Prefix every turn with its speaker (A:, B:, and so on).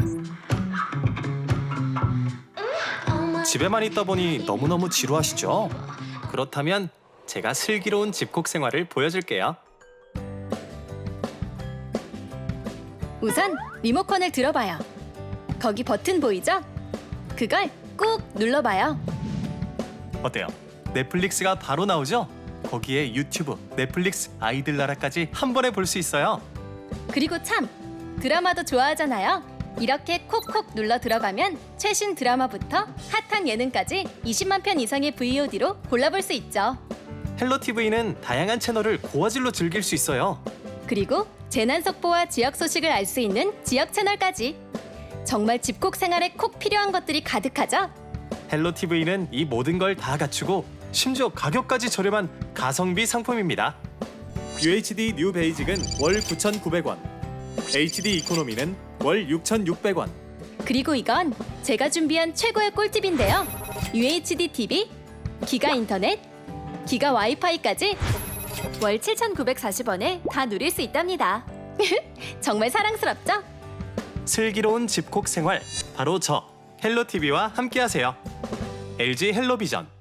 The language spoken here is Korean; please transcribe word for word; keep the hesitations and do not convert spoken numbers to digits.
A: 집에만 있다 보니 너무너무 지루하시죠? 그렇다면 제가 슬기로운 집콕 생활을 보여줄게요.
B: 우선 리모컨을 들어봐요. 거기 버튼 보이죠? 그걸 꾹 눌러봐요.
A: 어때요? 넷플릭스가 바로 나오죠? 거기에 유튜브, 넷플릭스, 아이들 나라까지 한 번에 볼 수 있어요.
B: 그리고 참, 드라마도 좋아하잖아요. 이렇게 콕콕 눌러 들어가면 최신 드라마부터 핫한 예능까지 이십만 편 이상의 브이오디로 골라볼 수 있죠.
A: 헬로티브이는 다양한 채널을 고화질로 즐길 수 있어요.
B: 그리고 재난 속보와 지역 소식을 알 수 있는 지역 채널까지. 정말 집콕 생활에 콕 필요한 것들이 가득하죠?
A: 헬로티브이는 이 모든 걸 다 갖추고 심지어 가격까지 저렴한 가성비 상품입니다. 유에이치디 뉴 베이직은 월 구천구백 원, 에이치디 이코노미는 월 육천육백 원.
B: 그리고 이건 제가 준비한 최고의 꿀팁인데요. 유에이치디 티비, 기가 인터넷, 기가 와이파이까지 월 칠천구백사십 원에 다 누릴 수 있답니다. 정말 사랑스럽죠?
A: 슬기로운 집콕 생활, 바로 저 헬로티비와 함께하세요. 엘지 헬로비전.